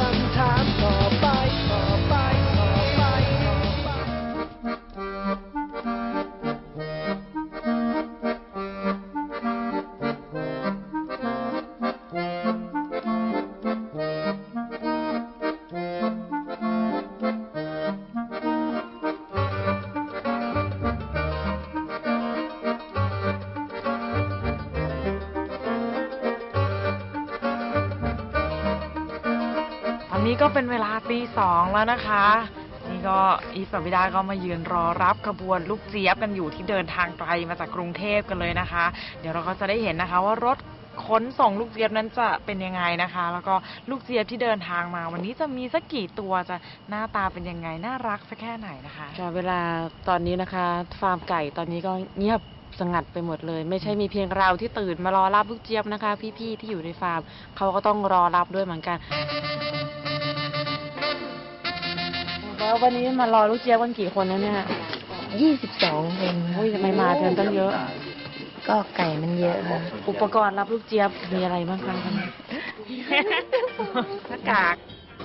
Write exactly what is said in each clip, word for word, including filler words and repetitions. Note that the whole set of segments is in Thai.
ำถามต่อไปต่อไปต่อไปต่อไปตอนนี้ก็เป็นเวลาตีสองแล้วนะคะนี่ก็อีฟกับวิดาก็มายืนรอรับขบวนลูกเจี๊ยบกันอยู่ที่เดินทางไกลมาจากกรุงเทพกันเลยนะคะ เดี๋ยวเราก็จะได้เห็นนะคะว่ารถขนส่งลูกเจี๊ยบนั้นจะเป็นยังไงนะคะ แล้วก็ลูกเจี๊ยบที่เดินทางมาวันนี้จะมีสักกี่ตัวจะหน้าตาเป็นยังไงน่ารักสักแค่ไหนนะคะค่ะเวลาตอนนี้นะคะฟาร์มไก่ตอนนี้ก็เงียบสงัดไปหมดเลยไม่ใช่มีเพียงเราที่ตื่นมารอรับลูกเจี๊ยบนะคะพี่ๆที่อยู่ในฟาร์มเขาก็ต้องรอรับด้วยเหมือนกันแล้ววันนี้มารอลูกเจี๊ยบกันกี่คนแล้วเนี่ยยี่สิบสองคนอุ้ยทำไมมาเกินตั้งเยอะก็ไก่มันเยอะค่ะอุปกรณ์รับลูกเจี๊ยบมีอะไรบ้างคะหน้ากาก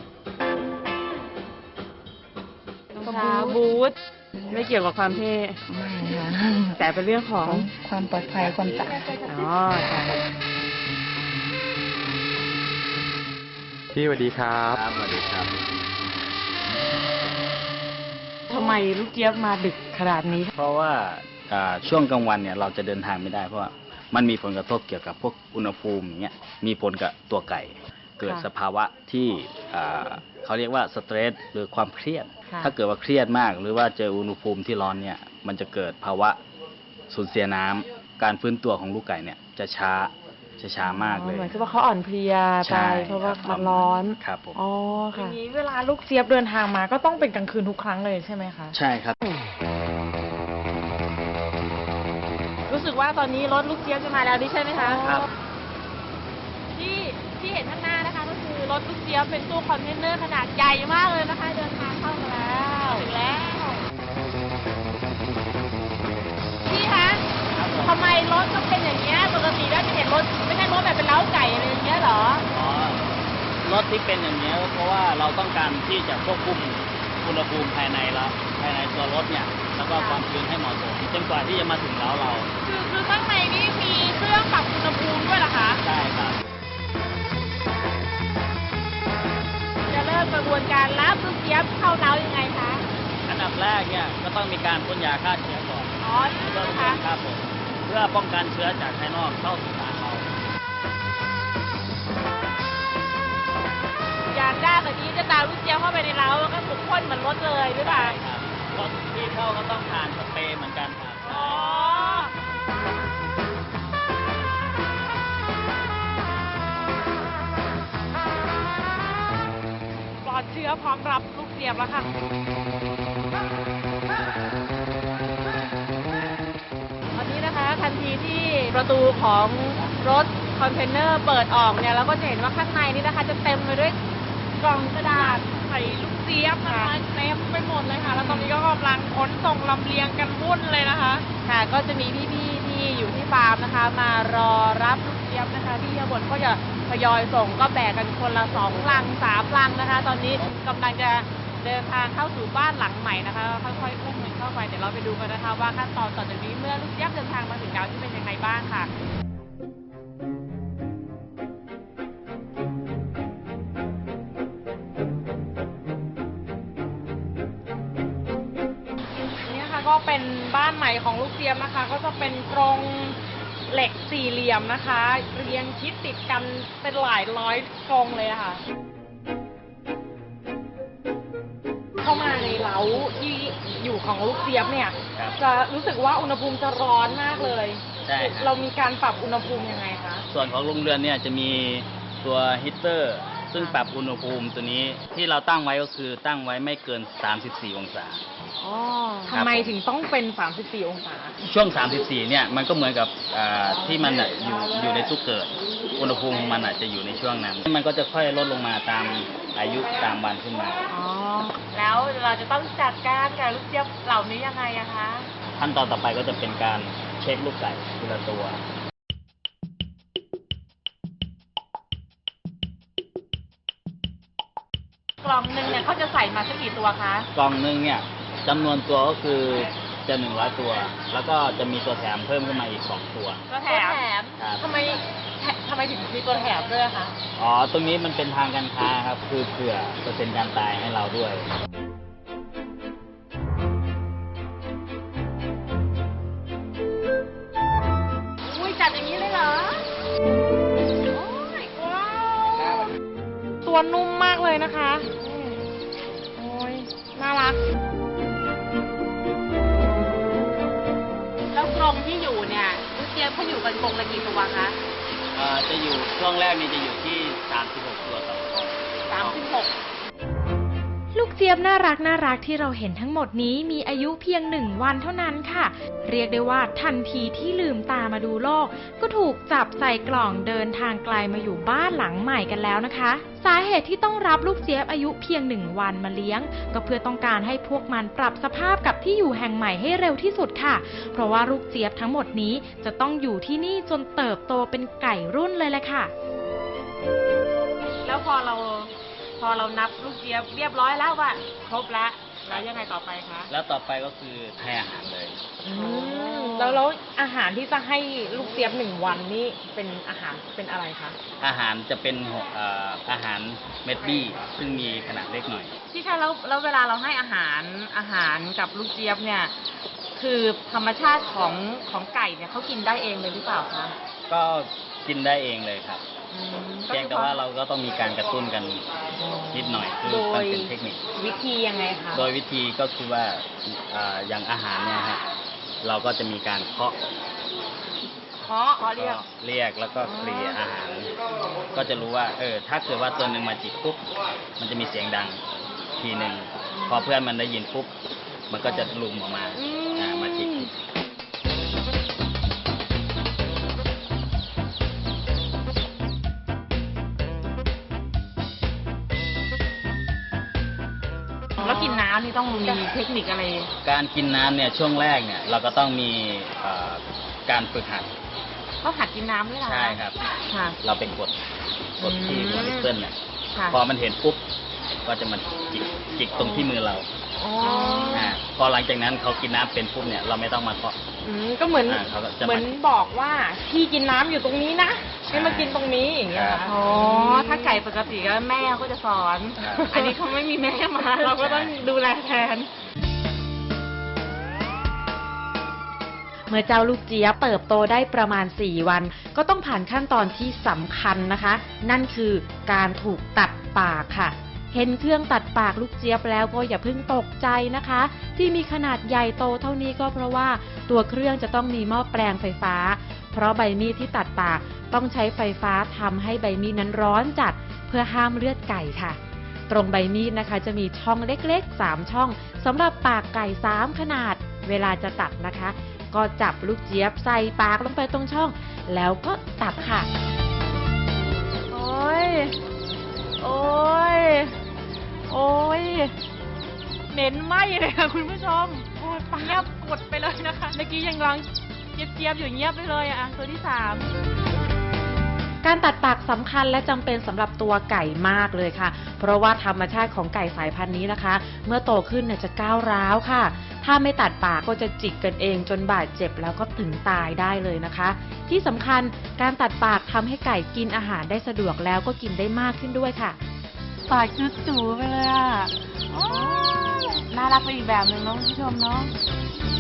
รองเท้าบูทไม่เกี่ยวกับความเท่ไม่ค่ะแต่เป็นเรื่องของความปลอดภัยความสะอาดอ๋อค่ะพี่สวัสดีครับครับสวัสดีครับทำไมลูกเจี๊ยบมาดึกขนาดนี้เพราะว่าอ่าช่วงกลางวันเนี่ยเราจะเดินทางไม่ได้เพราะว่ามันมีผลกระทบเกี่ยวกับพวกอุณหภูมิอย่างเงี้ยมีผลกับตัวไก่ เกิดค่ะสภาวะที่อ่าเขาเรียกว่าสเตรสหรือความเครียดค่ะถ้าเกิดว่าเครียดมาก หรือว่าเจออุณหภูมิที่ร้อนเนี่ยมันจะเกิดภาวะสูญเสียน้ำการฟื้นตัวของลูกไก่เนี่ยจะช้าจะช้ามากเลยเหมือนกับว่าเขาอ่อนเพลียไปใช่เพราะว่าคบมันร้อนครับผมอ๋ออค่ะย่างนี้เวลาลูกเจี๊ยบเดินทางมาก็ต้องเป็นกลางคืนทุกครั้งเลยใช่ไหมคะใช่ครับรู้สึกว่าตอนนี้รถลูกเจี๊ยบจะมาแล้วดิใช่ไหมคะครับที่ที่เห็นข้างหน้านะคะก็คือรถลูกเจี๊ยบเป็นตู้คอนเทนเนอร์ขนาดใหญ่มากเลยนะคะ เดินทางเข้ามาแล้วถึงแล้วพี่คะทำไมรถต้องเป็นอย่างเงี้ยปกติแล้วจะเห็นรถไม่ใช่รถแบบเป็นเล้าไก่อะไรอย่างเงี้ยเหรออ๋อรถที่เป็นอย่างนี้ยเพราะว่าเราต้องการที่จะควบคุมอุณหภูมิภายในเราภายในตัวรถเนี่ยแล้วก็ความชื้นให้เหมาะสมจนกว่าที่จะมาถึงเล้าเราคือคือข้างในนี่มีเครื่องปรับอุณหภูมิด้วยเหรอคะใช่ครับจะเริ่มกระบวนการรับลูกเจี๊ยบเข้าเล้ายังไงคะอันดับแรกเนี่ยก็ต้องมีการพ่นยาฆ่าเชื้อก่อนอ๋อนี่เพื่อนะคะครับผมเพื่อป้องกันเชื้อจากภายนอกเข้าสู่ฟาร์มเราอยากได้แบบนี้จะตามลูกเจี๊ยบเข้าไปในเล้าแล้วก็ถูกพ่นเหมือนรถเลยหรือเปล่าใช่ครับรถที่เข้าก็ต้องผ่านสเปรย์เหมือนกันครับอ๋อปลอดเชื้อพร้อมรับลูกเจี๊ยบแล้วค่ะตอนนี้นะคะทันทีที่ประตูของรถคอนเทนเนอร์เปิดออกเนี่ยเราก็จะเห็นว่าข้างในนี่นะคะจะเต็มไปด้วยกล่องกระดาษใส่ลูกเจี๊ยบนะคะเต็มไปหมดเลยค่ะ แล้วตอนนี้ก็กำลังขนส่งลำเลียงกันวุ่นเลยนะคะค่ะก็จะมีพี่ๆที่อยู่ที่ฟาร์มนะคะ มารอรับลูกเจี๊ยบนะคะที่ข้างบนก็จะทยอยส่งก็แบกกันคนละสองลังสามลังนะคะ ตอนนี้กำลังจะเดินทางเข้าสู่บ้านหลังใหม่นะคะค่อยๆอุ้มมันเข้าไปเดี๋ยวเราไปดูกันนะคะว่าขั้นตอนต่อจากนี้เมื่อลูกเจี๊ยบเดินทางมาถึงแล้วที่เป็นยังไงบ้างค่ะนี่ค่ะก็เป็นบ้านใหม่ของลูกเจี๊ยบนะคะ ก็จะเป็นกรงเหล็กสี่เหลี่ยมนะคะ เรียงชิดติดกันเป็นหลายร้อยกรงเลยอะค่ะ เข้ามาในเล้าที่อยู่ของลูกเจี๊ยบเนี่ยครับจะรู้สึกว่าอุณหภูมิจะร้อนมากเลยใช่ครับเรามีการปรับอุณหภูมิยังไงคะส่วนของโรงเรือนเนี่ยจะมีตัวฮีตเตอร์ซึ่งปรับอุณหภูมิตัวนี้ที่เราตั้งไว้ก็คือตั้งไว้ไม่เกินสามสิบสี่องศาอ๋อครับทำไมถึงต้องเป็นสามสิบสี่องศาช่วง สามสิบสี่ เนี่ย มันก็เหมือนกับอ่าที่มันอะอยู่อยู่ในตู้เกิด อุณหภูมิของมันอาจจะอยู่ในช่วงนั้น มันก็จะค่อยลดลงมาตามอายุตามวันขึ้นมาอ๋อ แล้วเราจะต้องจัดการกับลูกเจี๊ยบเหล่านี้ยังไงอะคะขั้นตอนต่อไปก็จะเป็นการเช็คลูกไก่ทีละตัวอกล่องหนึ่งเนี่ยเขาจะใส่มาสักกี่ตัวคะกล่องหนึงเนี่ยจำนวนตัวก็คือจะหนึ่งร้อยตัว แล้วก็จะมีตัวแถมเพิ่มขึ้นมาอีกสองตัวตัวแถมครับทำไมทำไมถึงมีตัวแถมด้วยคะอ๋อ ตรงนี้มันเป็นทางการค้าครับ คือเผื่อเปอร์เซ็นต์การตายให้เราด้วยอุ้ยจัดอย่างนี้เลยเหรอ โอ้ยว้าวตัวนุ่มมากเลยนะคะโอ้ยน่ารักแล้วกรงที่อยู่เนี่ยลูกเจี๊ยบเขาอยู่กันกรงละกี่ตัวคะอ่า จะอยู่ช่วงแรกนี่จะอยู่ที่สามสิบหกตัวต่อกล่องสามสิบหกลูกเจี๊ยบน่ารักน่ารักที่เราเห็นทั้งหมดนี้มีอายุเพียงหนึ่งวันเท่านั้นค่ะ เรียกได้ว่าทันทีที่ลืมตามาดูโลก ก็ถูกจับใส่กล่องเดินทางไกลมาอยู่บ้านหลังใหม่กันแล้วนะคะ สาเหตุที่ต้องรับลูกเจี๊ยบอายุเพียงหนึ่งวันมาเลี้ยง ก็เพื่อต้องการให้พวกมันปรับสภาพกับที่อยู่แห่งใหม่ให้เร็วที่สุดค่ะ เพราะว่าลูกเจี๊ยบทั้งหมดนี้จะต้องอยู่ที่นี่จนเติบโตเป็นไก่รุ่นเลยแหละค่ะแล้วพอเราพอเรานับลูกเจี๊ยบเรียบร้อยแล้วว่าครบแล้วแล้วยังไงต่อไปคะแล้วต่อไปก็คือให้อาหารเลยอืมแล้วแล้วอาหารที่จะให้ลูกเจี๊ยบหนึ่งวันนี่เป็นอาหารเป็นอะไรคะอาหารจะเป็นเอ่ออาหารเม็ดบี้ ซึ่งมีขนาดเล็กหน่อยพี่คะแล้วแล้วเวลาเราให้อาหารอาหารกับลูกเจี๊ยบเนี่ยคือธรรมชาติของของไก่เนี่ยเขากินได้เองเลยหรือเปล่าคะก็กินได้เองเลยครับอืมเพียงแต่ว่าเราก็ต้องมีการกระตุ้นกันนิดหน่อย คือโดมันยเป็นเทคนิควิธียังไงคะโดยวิธีก็คือว่าอ่าอย่างอาหารเนี่ยฮะเราก็จะมีการเคาะเคาะเขาเรียกก็เรียกแล้วก็เคลียร์อาหาร ก็จะรู้ว่า เออ ถ้าเกิดว่าตัวหนึ่งมาจิกปุ๊บ มันจะมีเสียงดังทีหนึ่ง พอเพื่อนมันได้ยินปุ๊บ มันก็จะลุมออกมาอืมอ่ามาจิกแล้วกินน้ำนี่ต้องมีเทคนิคอะไรการกินน้ำเนี่ยช่วงแรกเนี่ยเราก็ต้องมีเอ่อการฝึกหัดเขาหัดกินน้ำด้วยเหรอใช่ครับค่ะเราเป็นกดกดที่หัวนิปเปิลเนี่ยค่ะพอมันเห็นปุ๊บ ก็จะมาจิกจิกตรงที่มือเราอ๋ออ่าพอหลังจากนั้นเขากินน้ำเป็นปุ๊บเนี่ยเราไม่ต้องมาเคาะอืมก็เหมือนอ่าเขาก็จะมาเหมือนบอกว่าพี่กินน้ำอยู่ตรงนี้นะให้มากินตรงนี้อย่างเงี้ยครับอ๋อถ้าไก่ปกติก็แม่ก็จะสอนครับอันนี้เขาไม่มีแม่มา เราก็ต้องดูแลแทนเมื่อเจ้าลูกเจี๊ยบเติบโตได้ประมาณสี่วัน ก็ต้องผ่านขั้นตอนที่สำคัญนะคะ นั่นคือการถูกตัดปากค่ะ เห็นเครื่องตัดปากลูกเจี๊ยบแล้วก็อย่าเพิ่งตกใจนะคะ ที่มีขนาดใหญ่โตเท่านี้ก็เพราะว่าตัวเครื่องจะต้องมีหม้อแปลงไฟฟ้า เพราะใบมีดที่ตัดปากต้องใช้ไฟฟ้าทำให้ใบมีดนั้นร้อนจัดเพื่อห้ามเลือดไก่ค่ะ ตรงใบมีดนะคะจะมีช่องเล็กๆสามช่องสำหรับปากไก่สามขนาด เวลาจะตัดนะคะ ก็จับลูกเจี๊ยบใส่ปากลงไปตรงช่อง แล้วก็ตัดค่ะโอ้ย โอ้ย โอ้ย เหม็นไหมเลยค่ะคุณผู้ชม โอ้ยปังเงียบกดไปเลยนะคะ เมื่อกี้ยังร้องเจี๊ยบๆอยู่เงียบไปเลยอ่ะ ตัวที่สามการตัดปากสำคัญและจำเป็นสำหรับตัวไก่มากเลยค่ะ เพราะว่าธรรมชาติของไก่สายพันธุ์นี้นะคะ เมื่อโตขึ้นเนี่ยจะก้าวร้าวค่ะ ถ้าไม่ตัดปากก็จะจิกกันเองจนบาดเจ็บแล้วก็ถึงตายได้เลยนะคะ ที่สำคัญการตัดปากทำให้ไก่กินอาหารได้สะดวกแล้วก็กินได้มากขึ้นด้วยค่ะปากจุดจูไปเลยอ่ะโอ้ยน่ารักไปอีกแบบหนึ่งเน้องผู้ชมเนาะ